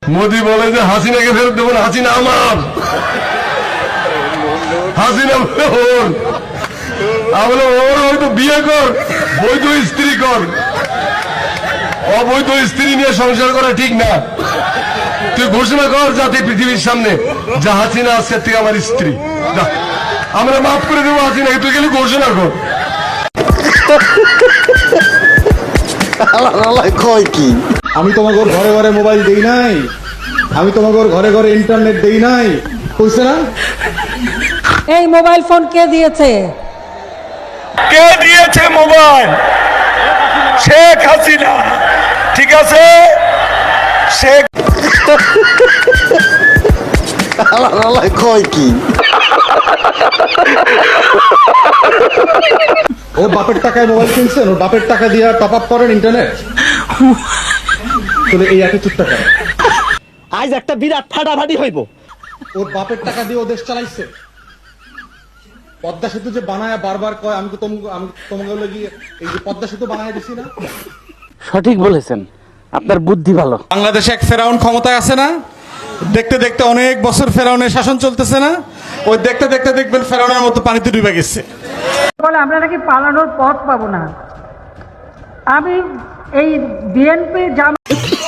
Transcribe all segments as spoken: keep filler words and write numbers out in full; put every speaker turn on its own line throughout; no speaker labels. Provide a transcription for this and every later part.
মোদি বলে যে হাসিনাকে ফেরত দেবো না, হাসিনা আমার, হাসিনা বলে ওর। আমি বললাম ওর হয়তো বিয়ে কর, বৈধ স্ত্রী কর, অবৈধ স্ত্রী নিয়ে সংসার করা ঠিক না। তুই ঘোষণা কর যাতে পৃথিবীর সামনে যে হাসিনা আজকের থেকে আমার স্ত্রী, আমরা মাফ করে দেবো হাসিনাকে, তুই গেলে ঘোষণা কর।
কয় কি
আমি তোমাকে ঘরে ঘরে মোবাইল দেই নাই, আমি তোমাকে ঘরে ঘরে ইন্টারনেট দেই নাই, কইছে না?
এই মোবাইল ফোন কে দিয়েছে?
কে দিয়েছে মোবাইল? শেখ হাসিনা, ঠিক আছে? শেখ
কয় কি
ও বাপের টাকায় মোবাইল কিনছেন, ওর বাপের টাকা দিয়ে টপ আপ করেন ইন্টারনেট, তাহলে এই এত চুপ টাকা
আজ একটা বিরাট ফাটাফাটি হইব।
ওর বাপের টাকা দিয়ে ও দেশ চালাইছে। পদ্মা সেতু যে বানায় বারবার কয় আমি তো তোম- আমি তোমাকে গিয়ে এই যে পদ্মা সেতু বানায় দিছি না।
সঠিক বলেছেন, আপনার বুদ্ধি ভালো।
বাংলাদেশে এক ফেরাউন ক্ষমতায় আছে না, দেখতে দেখতে অনেক বছর ফেরাউনের শাসন চলতেছে না, ওই দেখতে দেখতে দেখবেন ফেরাউনের মতো পানিতে ডুবে গেছে।
বলে আমরা নাকি পালানোর পথ পাবো না। আমি এই বিএনপি জামা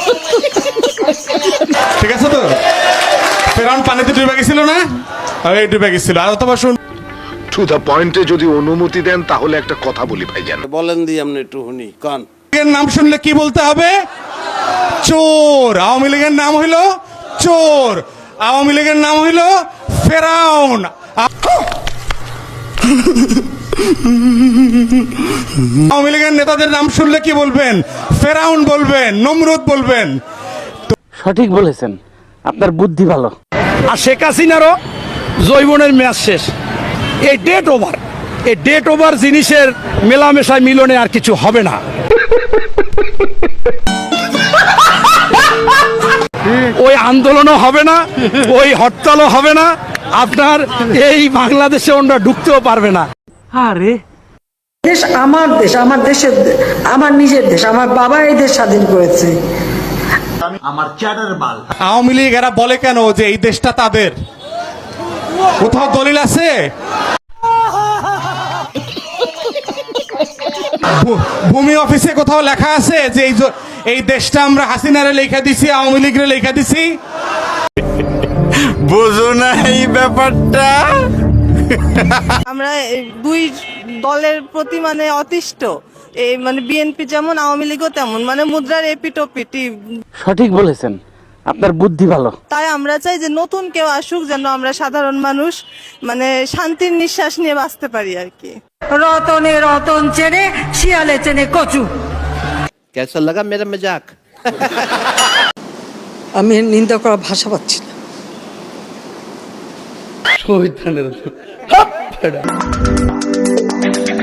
ঠিক আছে তো, ফেরাউন পানিতে ডুবে গেছিল না, আর এই ডুবে গেছিল। আর অথবা শুন,
টু দ্য পয়েন্টে যদি অনুমতি দেন তাহলে একটা কথা বলি ভাইজান।
বলেন দি আপনি একটু শুনি কান।
এর নাম শুনলে কি বলতে হবে? চোর। আওয়ামী লীগের নাম হইল চোর, আওয়ামী লীগের নাম হইল ফেরাউন। আওয়ামী লীগের নেতাদের নাম শুনলে কি বলবেন? ফেরাউন বলবেন, নমরুদ বলবেন।
সঠিক বলেছেন, আপনার বুদ্ধি ভালো।
আর শেখ হাসিনারও জৈবনের ম্যাচ শেষ, এই ডেট ওভার। এই ডেট ওভার জিনিসের মেলামেশায় মিলনে আর কিছু হবে না। ওই আন্দোলনও হবে না, ওই হরতালও হবে না, আপনার এই বাংলাদেশে ওরা ঢুকতেও পারবে না।
আরে
দেশ আমার দেশ, আমার দেশের, আমার নিজের দেশ, আমার বাবা এই দেশ স্বাধীন করেছে।
আওয়ামী লীগ এরা বলে কেন যে এই দেশটা তাদের? কোথাও দলিল আছে? ভূ- ভূমি অফিসে কোথাও লেখা আছে যে এই জ- এই দেশটা আমরা হাসিনারে লেখা দিছি, আওয়ামী লীগরে লেখা দিছি?
বুঝো না এই ব্যাপারটা।
আমরা এই দুই দলের প্রতি মানে অতিষ্ঠ, এই মানে বিএনপি যেমন আওয়ামী লীগও তেমন, মানে মুদ্রার এপিটোপিটি।
সঠিক বলেছেন, আপনার বুদ্ধি ভালো।
তাই আমরা চাই যে নতুন কেউ আসুক, যেন আমরা সাধারণ মানুষ মানে শান্তির নিঃশ্বাস নিয়ে বাঁচতে পারি আর কি।
রতনে রতন চেনে, শিয়ালে চেনে কচু।
কেসা লাগা মেরা মজাক।
আমি নিন্দা করার ভাষা পাচ্ছি না।